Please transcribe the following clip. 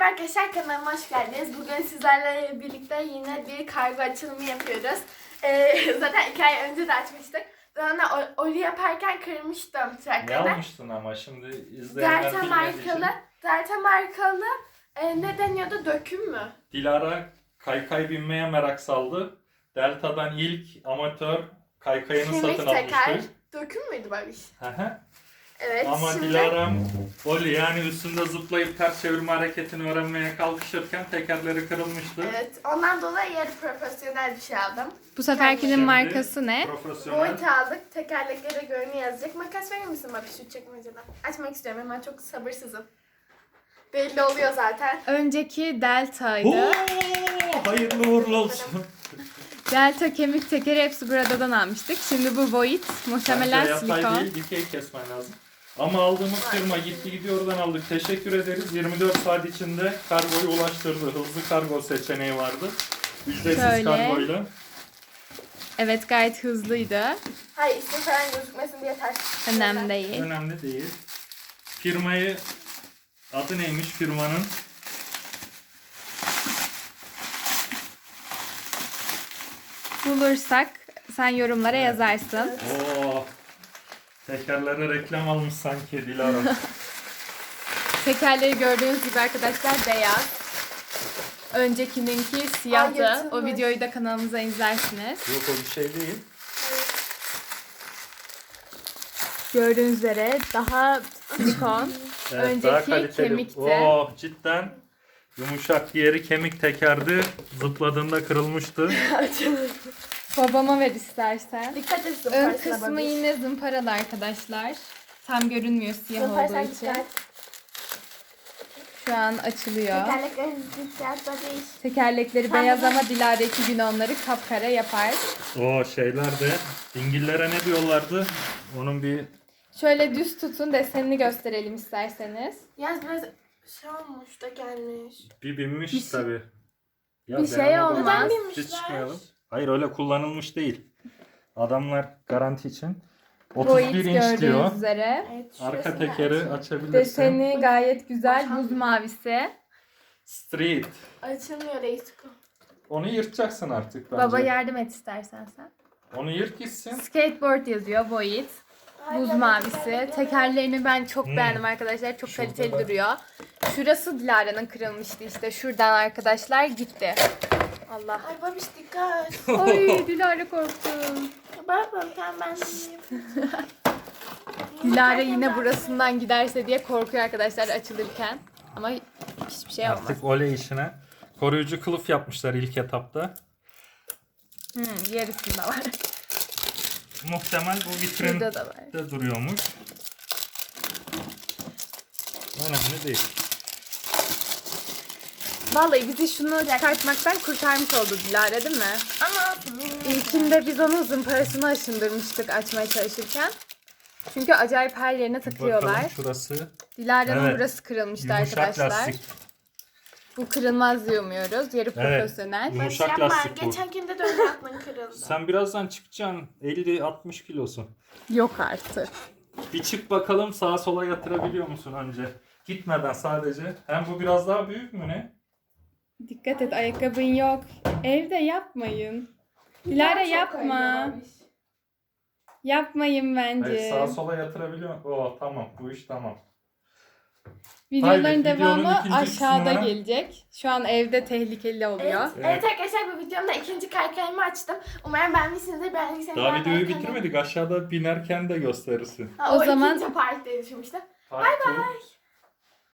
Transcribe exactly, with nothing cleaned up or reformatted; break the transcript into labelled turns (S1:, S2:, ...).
S1: arkadaşlar, kanalıma hoş geldiniz. Bugün sizlerle birlikte yine bir kargo açılımı yapıyoruz. Ee, zaten iki ay önce de açmıştık. Sonra oli yaparken kırmıştım
S2: Ne
S1: trakları.
S2: almıştın ama şimdi izleyenler
S1: Delta
S2: bilmediği için.
S1: markalı, Delta markalı e, ne deniyordu? Döküm mü?
S2: Dilara kaykay binmeye merak saldı. Delta'dan ilk amatör kaykayını
S1: Kemik
S2: satın
S1: teker.
S2: almıştı.
S1: Döküm müydü Barış?
S2: Hı hı.
S1: Evet.
S2: Ama
S1: şimdi...
S2: Dilara'm oli yani üstünde zıplayıp ters çevirme hareketini öğrenmeye kalkışırken tekerleri kırılmıştı.
S1: Evet. Ondan dolayı yarı profesyonel bir şey aldım.
S3: Bu seferkinin
S2: Şimdi
S3: markası ne?
S2: Profesyonel.
S1: Boyut aldık. Tekerleklere göre ne yazacak? Makas verir misin bak şu çekmeceden? Açmak istiyorum. Hemen çok sabırsızım. Belli oluyor zaten.
S3: Önceki Delta'ydı.
S2: Oo, hayırlı uğurlu olsun.
S3: Delta kemik tekeri hepsi buradan almıştık. Şimdi bu Void muhtemelen
S2: Bence yatay
S3: silikon.
S2: değil, dikey kesmen lazım. Ama aldığımız firma gitti gidiyor oradan aldık. Teşekkür ederiz. yirmi dört saat içinde kargoyu ulaştırdı. Hızlı kargo seçeneği vardı. Ücretsiz
S3: Şöyle.
S2: kargoyla.
S3: Evet, gayet hızlıydı.
S1: Hayır, isim falan gözükmesin diye ters.
S3: Önemli değil.
S2: Önemli değil. Firmayı, adı neymiş firmanın?
S3: Bulursak sen yorumlara yazarsın.
S2: Oo, tekerlere reklam almış sanki Dilara.
S3: Tekerleri gördüğünüz gibi arkadaşlar beyaz. Öncekininki siyahtı.
S1: Ay,
S3: O videoyu da kanalımıza izlersiniz.
S2: Yok o bir şey değil.
S3: Gördüğünüz üzere daha silikon.
S2: Evet,
S3: Önceki
S2: daha kaliteli.
S3: kemikti.
S2: Oo, cidden yumuşak, diğeri kemik tekerdi. Zıpladığında kırılmıştı.
S3: Babama ver istersen.
S1: Dikkat et
S3: Ön
S1: zımparsına
S3: kısmı
S1: Barış.
S3: yine zımparalı arkadaşlar. Tam görünmüyor siyah
S1: Zımparsan
S3: olduğu için.
S1: dikkat.
S3: Şu an açılıyor.
S1: Tekerleklerin dikkat Barış.
S3: Tekerlekleri beyaz ama Dilara iki gün onları kapkara yapar.
S2: O şeyler de dingillere ne diyorlardı? Onun bir
S3: Şöyle düz tutun, desenini gösterelim isterseniz.
S1: Yalnız biraz şey olmuş da gelmiş.
S2: bir binmiş
S3: Bir şey-
S2: tabii. Ya
S3: bir şey
S2: deneme
S3: olmaz.
S2: babası,
S1: Neden
S2: Biz
S1: binmişler?
S2: çıkmayalım. Hayır öyle kullanılmış değil. Adamlar garanti için otuz
S3: Void
S2: bir inç
S3: gördüğünüz
S2: diyor.
S3: üzere.
S1: Evet,
S2: Arka
S1: şurasını
S2: tekeri
S1: açın.
S2: açabilirsin.
S3: Deseni gayet güzel,
S1: Açalım.
S3: buz mavisi.
S2: Street.
S1: Açılmıyor Reisiko.
S2: Onu yırtacaksın artık bence.
S3: Baba yardım et istersen sen.
S2: Onu yırt gitsin.
S3: Skateboard yazıyor Void. Buz mavisi. Tekerlerini ben çok
S2: Hmm.
S3: beğendim arkadaşlar. Çok
S2: Şurada
S3: kaliteli
S2: bak.
S3: duruyor. Şurası Dilara'nın kırılmıştı işte. Şuradan arkadaşlar gitti. Allah.
S1: Ay Barış dikkat.
S3: Ay Dilara korktum.
S1: Bak bak tamam ben dinleyeyim.
S3: Dilara yine burasından giderse diye korkuyor arkadaşlar açılırken. Ama hiçbir şey olmaz.
S2: Artık oley işine koruyucu kılıf yapmışlar ilk etapta.
S3: Hmm, yarısında var.
S2: Muhtemel bu vitrinde
S3: Şurada da var.
S2: duruyormuş. Önemli değil.
S3: Vallahi bizi şunu çıkartmaktan kurtarmış oldu Dilara, değil mi?
S1: Ama
S3: İlkinde biz onun zımparasını aşındırmıştık açmaya çalışırken. Çünkü acayip her yerine takıyorlar.
S2: Bakalım şurası
S3: Dilara'nın
S2: Evet.
S3: burası kırılmıştı
S2: yumuşak
S3: arkadaşlar.
S2: lastik.
S3: Bu kırılmaz diye umuyoruz. Yarı profesyonel.
S2: Yum-
S1: Barış
S2: Yumuşak
S1: yapma.
S2: lastik bu.
S1: Geçenkinde de öyle aklın kırıldı.
S2: Sen birazdan çıkacaksın. elli altmış kilosun.
S3: Yok artık.
S2: Bir çık bakalım sağa sola yatırabiliyor musun önce? Gitmeden sadece. Hem bu biraz daha büyük mü ne?
S3: Dikkat et, ayakkabın yok. Evde yapmayın. Dilara
S1: Çok
S3: yapma.
S1: öyle Barış.
S3: Yapmayın bence.
S2: Hayır sağa sola yatırabiliyor musun? Oo tamam bu iş tamam.
S3: Videoların
S2: Haydi, videonun
S3: devamı
S2: ikinci
S3: aşağıda
S2: kısmına-
S3: gelecek. Şu an evde tehlikeli oluyor.
S1: Evet, evet arkadaşlar bu videomda ikinci kaykayımı açtım. Umarım beğenmişsinizdir. Beğendiyseniz
S2: Daha
S1: beğenmeyi,
S2: videoyu
S1: kanalıma-
S2: bitirmedik. Aşağıda binerken de gösterirsin.
S1: Ha,
S3: O
S1: o,
S3: zaman-
S1: ikinci part diye düşünmüştüm.
S2: Bay bay.